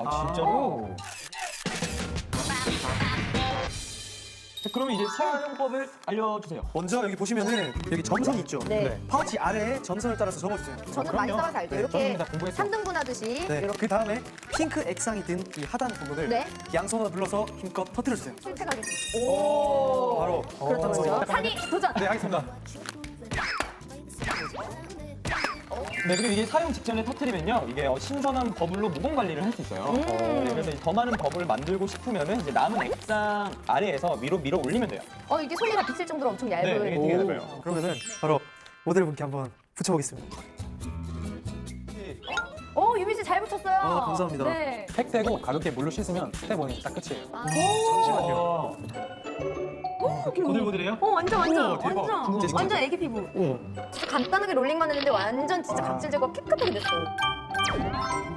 진짜로? 자, 그러면 이제 사용법을 알려주세요. 먼저 여기 보시면은 여기 점선이 있죠. 네. 파우치 아래에 점선을 따라서 접어주세요. 저는 많이 그럼요. 써봐서 알죠. 네, 이렇게 저는 다 공부했어요. 3등분 하듯이 네. 이렇게 그 다음에 핑크 액상이 든 이 하단 부분을 네. 양손으로 눌러서 힘껏 터뜨려주세요. 실패가게. 오. 바로 그렇죠, 그렇죠. 산이 도전. 네, 하겠습니다. 네, 그리고 이게 사용 직전에 터트리면요, 이게 신선한 버블로 무공 관리를 할 수 있어요. 네, 그래서 더 많은 버블을 만들고 싶으면은 이제 남은 액상 아래에서 위로 밀어 올리면 돼요. 이게 손이가 비칠 정도로 엄청 얇은. 네, 이게 되게 얇아요. 그러면은 바로 모델분께 한번 붙여보겠습니다. 유민 씨 잘 붙였어요. 감사합니다. 네. 팩되고 가볍게 물로 씻으면 스텝 1이 딱 끝이에요. 잠시만요. 보들보들해요? 완전 우와, 대박. 완전 애기 피부. 진짜 간단하게 롤링만 했는데 완전 진짜 각질 제거 깨끗하게 됐어요.